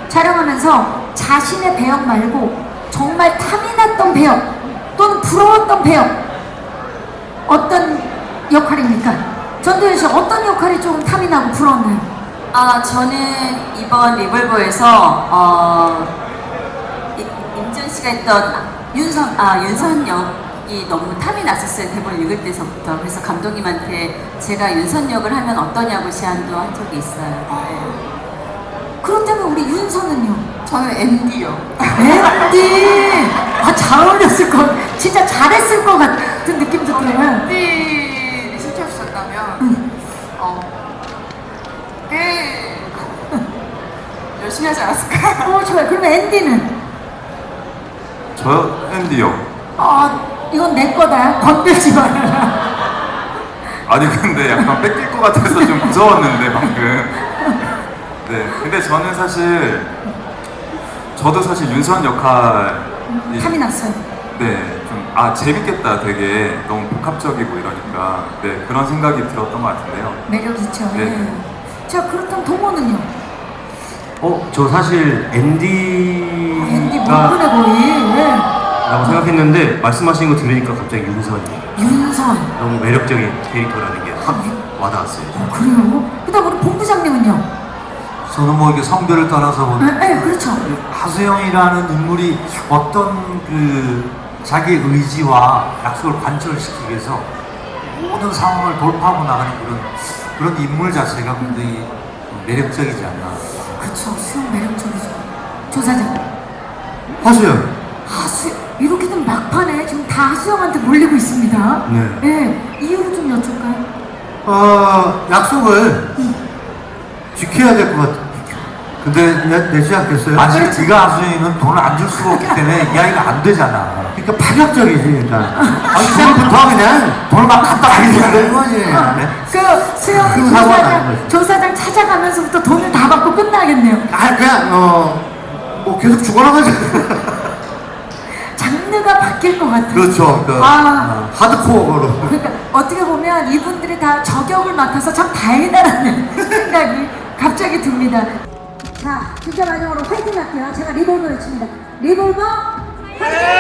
촬영하면서 자신의 배역 말고 정말 탐이 났던 배역 또는 부러웠던 배역 어떤 역할입니까? 전도연 씨 어떤 역할이 좀 탐이 나고 부러웠나요? 저는 이번 리볼버에서 임지연 씨가 했던 윤선 역이 너무 탐이 났었어요. 대본 읽을 때서부터. 그래서 감독님한테 제가 윤선 역을 하면 어떠냐고 제안도 한 적이 있어요. 네. 그렇다면 우리 윤서는요? 저는 앤디요. 앤디! 잘 어울렸을 것 진짜 잘했을 것 같은 느낌도 들어요. 앤디 신청하셨다면 꽤 열심히 하지 않았을까? 좋아요. 그러면 앤디는? 저요? 앤디요. 이건 내 거다. 건들지 마라. 아니 근데 약간 뺏길 것 같아서 좀 무서웠는데 방금. 네. 근데 저는 사실 저도 사실 윤선 역할이 탐이 났어요. 네, 좀 재밌겠다. 되게 너무 복합적이고 이러니까 네 그런 생각이 들었던 것 같은데요. 매력 있죠. 네. 예. 자, 그렇다면 동호는요? 저 사실 앤디 앤디가 못보네 거의. 예. 라고 생각했는데 말씀하신 거 들으니까 갑자기 윤선이 윤선. 너무 매력적인 캐릭터라는 게 확 와닿았어요. 그래요? 그다음 우리 본부장님은요? 저는 뭐 이게 성별을 떠나서 네, 그렇죠. 하수영이라는 인물이 어떤 자기 의지와 약속을 관철시키기 위해서 모든 상황을 돌파하고 나가는 그런 인물 자체가 굉장히 매력적이지 않나. 그렇죠. 수영 매력적이죠. 조사장. 하수연. 이렇게든 막판에 지금 다 하수영한테 몰리고 있습니다. 네. 네. 이유를 좀 여쭐까요? 약속을 지켜야 될 것 같아. 근데 내지 않겠어요? 만약에 네가 하수영이는 돈을 안 줄 수가 없기 때문에 이야기가 안 되잖아. 그러니까 파격적이지 일단. 시작부터 그냥 돈을 막 갖다 바리는 되는 거지. 네? 수영 사고가 나는 거지. 조사장 찾아가면서부터 돈을 다 받고 끝나겠네요. 그냥 뭐 계속 죽어나가지. 장르가 바뀔 것 같아요. 그렇죠. 하드코어로. 그러니까 어떻게 보면 이분들이 다 저격을 맡아서 참 다행이다라는 생각이 갑자기 듭니다. 자, 진짜 마지막으로 화이팅 할게요. 제가 리볼버 외칩니다. 리볼버 화이팅!